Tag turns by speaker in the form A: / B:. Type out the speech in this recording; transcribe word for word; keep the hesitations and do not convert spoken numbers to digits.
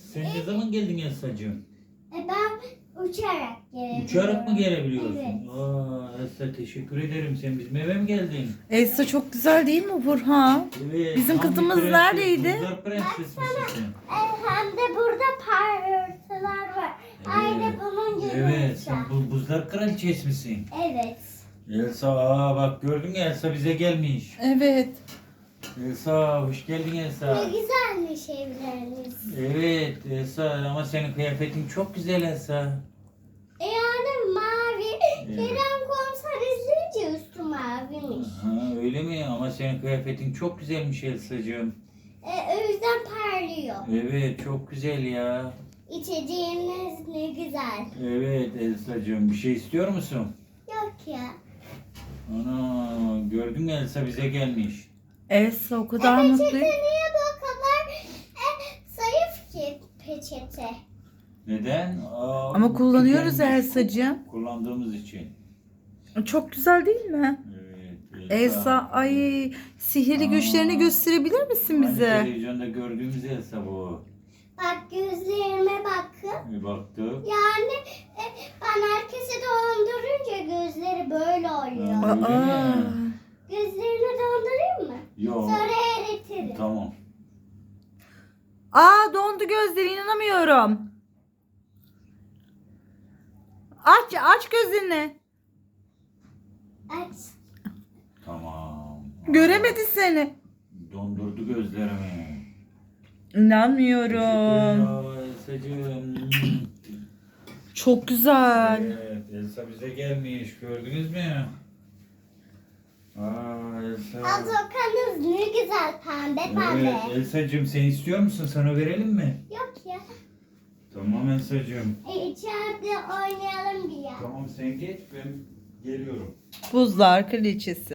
A: Sen ne zaman geldin Elsa'cığım?
B: E ben uçarak gelebiliyorum.
A: Uçarak mı gelebiliyorsun?
B: Evet.
A: Aa, Elsa teşekkür ederim. Sen bizim eve mi geldin?
C: Elsa çok güzel değil mi Burhan?
A: Evet.
C: Bizim
A: tam bir
C: kızımız
A: prenses,
C: neredeydi?
A: Buzlar prenses misin sen?
B: E, hem de burada parıltılar var. Aynı bunun gibi.
A: Evet,
B: uçak.
A: sen bu buzlar kraliçesi misin?
B: Evet.
A: Elsa, aa bak gördün mü Elsa bize gelmiş.
C: Evet.
A: Elsa, hoş geldin
B: Ne
A: Elsa.
B: güzelmiş evleriniz.
A: Evet Elsa ama senin kıyafetin çok güzel Elsa.
B: E yani mavi.
A: Evet.
B: Kerem komiser izleyince üstü maviymiş.
A: Ha, öyle mi? Ama senin kıyafetin çok güzelmiş Elsa'cığım.
B: E, o yüzden parlıyor.
A: Evet, çok güzel ya.
B: İçeceğiniz ne güzel.
A: Evet Elsa'cığım, bir şey istiyor musun?
B: Yok ya.
A: Ana, gördün mü Elsa bize gelmiş.
C: Elsa o kadar
B: E,
C: mutlu.
B: peçete niye bu kadar e, zayıf ki peçete?
A: Neden? Aa,
C: Ama kullanıyoruz
A: güzelmiş.
C: Elsa'cığım.
A: Kullandığımız için.
C: Çok güzel değil mi?
A: Evet.
C: Elsa ay sihirli
A: Aa.
C: güçlerini gösterebilir misin
A: Hani
C: bize?
A: televizyonda gördüğümüz Elsa bu.
B: Bak gözlerime bakın.
A: Bir baktık.
B: Yani e, ben herkese dondurunca gözleri böyle oluyor.
A: Aa. Öyle
C: Aa.
A: mi?
B: Gözlerini dondurayım mı?
A: Yok.
B: Sonra eritirim.
A: Tamam.
C: Aa dondu gözleri inanamıyorum. Aç aç gözünü.
B: Aç.
A: Tamam.
C: Göremedi seni.
A: Dondurdu gözlerimi.
C: İnanmıyorum.
A: Teşekkür ederim Elsa'cığım.
C: Çok güzel.
A: Evet, Elsa bize gelmiş. Gördünüz mü? Aa, Elsa.
B: Azokanız ne güzel pembe pembe.
A: Evet, Elsa'cığım sen istiyor musun? Sana verelim mi?
B: Yok ya.
A: Tamam Elsa'cığım.
B: E, içeride oynayalım bir ya.
A: Tamam sen geç, ben geliyorum.
C: Buzlar kraliçesi.